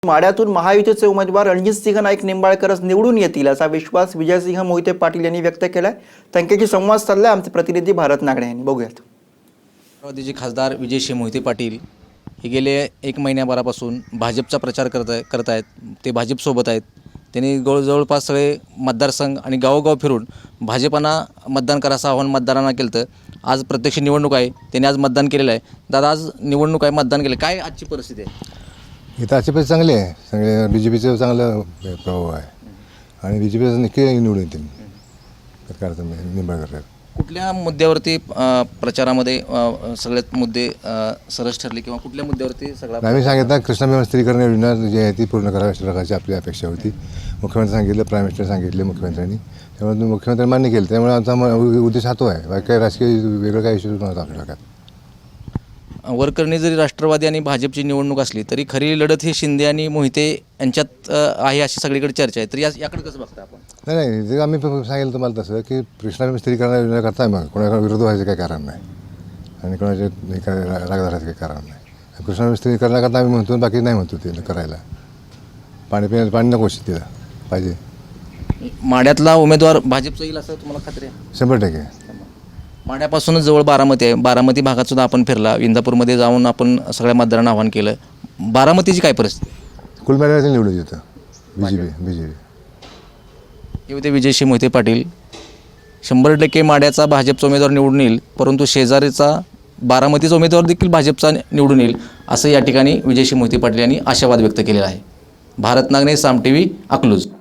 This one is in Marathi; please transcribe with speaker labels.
Speaker 1: माढ्यातून महायुतीचे उमेदवार रणजितसिंह नाईक निंबाळकरच निवडून येतील असा विश्वास विजयसिंह मोहिते पाटील यांनी व्यक्त केलाय। त्यांच्याशी संवाद साधलाय आमचे प्रतिनिधी भारत नागडे यांनी। बघूयात।
Speaker 2: राष्ट्रवादीचे खासदार विजयसिंह मोहिते पाटील हे गेले 1 महिन्याभरापासून भाजपचा प्रचार करत आहेत। ते भाजपसोबत आहेत। त्यांनी जवळपास सगळे मतदारसंघ आणि गावोगाव फिरून भाजपांना मतदान करायचं आव्हान मतदारांना केलं। तर आज प्रत्यक्ष निवडणूक आहे, त्यांनी आज मतदान केलेलं आहे। दादा, आज निवडणूक आहे, मतदान केलं, काय आजची परिस्थिती आहे?
Speaker 3: इथं आजची परिस्थिती चांगली आहे। सगळे BJPचं चांगलं प्रभाव आहे आणि BJPचं नक्की निवडून येतील सरकारचं निंबाळकर।
Speaker 2: कुठल्या मुद्द्यावरती प्रचारामध्ये सगळ्यात मुद्दे सरस ठरले किंवा कुठल्या मुद्द्यावरती सगळा?
Speaker 3: आम्ही सांगितलं कृष्णा स्त्रीकरण योजना जी आहे ती पूर्ण करावी अशा प्रकारची आपली अपेक्षा होती। मुख्यमंत्री सांगितलं, प्राईम मिनिस्टर सांगितले मुख्यमंत्र्यांनी, त्यामुळे मुख्यमंत्री मान्य केलं। त्यामुळे आमचा उद्देश हातो आहे, बाकी काही राजकीय वेगळं काही इश्यूज नव्हता आपल्याला।
Speaker 2: वरकरणी जरी राष्ट्रवादी आणि भाजपची निवडणूक असली तरी खरी लढत ही शिंदे आणि मोहिते यांच्यात आहे अशी सगळीकडे चर्चा आहे। तर याकडे कसं बघता आपण?
Speaker 3: नाही, जे आम्ही सांगितलं तुम्हाला तसं की कृष्णा स्त्रीकरण योजना करताय, मग कोणाला विरोध व्हायचं काही कारण नाही आणि कोणाचे राग धरायचं काही कारण नाही। कृष्णा स्त्रीकरणाकरता आम्ही म्हणतो, बाकी नाही म्हणतो ते करायला। पाणी नको तिला पाहिजे।
Speaker 2: माढ्यातला उमेदवार भाजपचा येईल असं तुम्हाला खात्री आहे?
Speaker 3: 100%।
Speaker 2: माढ्यापासूनच जवळ बारामती आहे। बारामती भागात सुद्धा आपण फिरला, इंदापूरमध्ये जाऊन आपण सगळ्या मतदारांना आवाहन केलं। बारामतीची काय परिस्थिती?
Speaker 3: कुल मिळायला निवडून येतं BJP।
Speaker 2: हे होते विजयसिंह मोहिते पाटील। 100% माढ्याचा भाजपचा उमेदवार निवडून येईल, परंतु शेजारीचा बारामतीचा उमेदवार देखील भाजपचा निवडून येईल असं या ठिकाणी विजयसिंह मोहिते पाटील यांनी आशावाद व्यक्त केलेला आहे। भारत नागणे, साम TV, अकलूज।